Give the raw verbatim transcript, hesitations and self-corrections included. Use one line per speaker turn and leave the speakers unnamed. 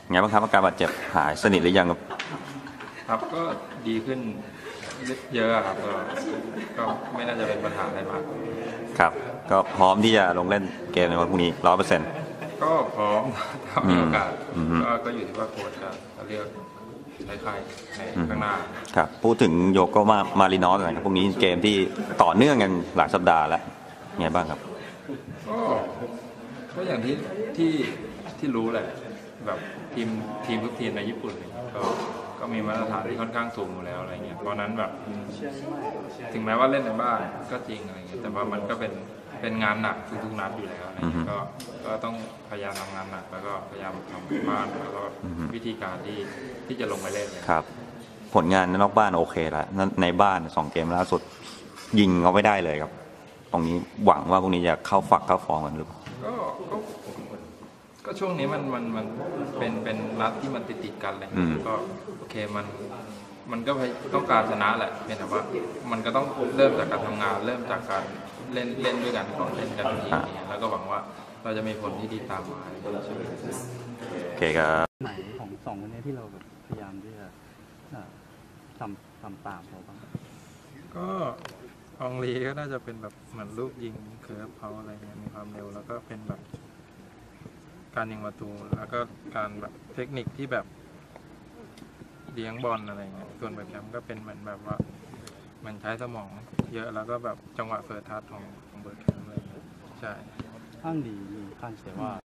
ไงบ้างครับอาการบาดเจ็บหายสนิทหรือยังครับ
ครับก็ดีขึ้นเยอะครับก็ก็ไม่น่าจะเป็นปัญหาอะไรมาก
ครับก็พร้อมที่จะลงเล่นเกมในวันพรุ่งนี้ร้อยเปอร์เซ็นต์
ก็พร้อมถ้ามีโอกาสก็ก็อยู่ที่ว่าโค้ชจะเลือกใช้ใครในข้างหน้า
ครับพูดถึงโยโกมามารินอสหน่อยครับพรุ่งนี้เกมที่ต่อเนื่องกันหลายสัปดาห์แล้วไงบ้างครับ
ก็ก็อย่างที่ที่ที่รู้แหละแบบทีมทีมทุกทีมในญี่ปุ่นก็ก็มีมาตรฐานที่ค่อนข้างสูงอยู่แล้วอะไรเงี้ยเพราะนั้นแบบถึงแม้ว่าเล่นในบ้านก็จริงอะไรเงี้ยแต่ว่ามันก็เป็นเป็นงานหนักทุกๆนัดอยู่แล้วอะไรเงี้ยก็ก็ต้องพยายามทำงานหนักแล้วก็พยายามทำบ้านแล้วก็วิธีการที่ที่จะลงไปเล่น
ครับผลงานนอกบ้านโอเคแล้วในบ้านสองเกมล่าสุดยิงเขาไม่ได้เลยครับตรงนี้หวังว่าพวกนี้จะเข้าฝักเข้าฟองกันหรือเปล่า
ก็ก็ก็ช่วงนี้มันมันมันเป็นเป็นนัดที่มันติดติดกันเลยก็โอเคมันมันก็ต้องการชนะแหละเพียงแต่ว่ามันก็ต้องเริ่มจากการทำงานเริ่มจากการเล่นเล่นด้วยกันก่อนเล่นกันทีนี้แล้วก็หวังว่าเราจะมีผลที่ดีตามมา
โอเคครับ
ไหนของสองคนนี้ที่เราแบบพยายามที่จะทำทำตามเขาบ้าง
ก็อองลีก็น่าจะเป็นแบบเหมือนลูกยิงเคิร์ฟเขาอะไรเงี้ยมีความเร็วแล้วก็เป็นแบบการยิงประตูแล้วก็การแบบเทคนิคที่แบบเลี้ยงบอลอะไรเงี้ยส่วนแบบแคมก็เป็นเหมือนแบบว่ามันใช้สมองเยอะแล้วก็แบบจังหวะเฟิร์สทัชของของเบิร์ดแคมอะไรเงี้ยใช่
ข้างดีมีข้างเสียว่า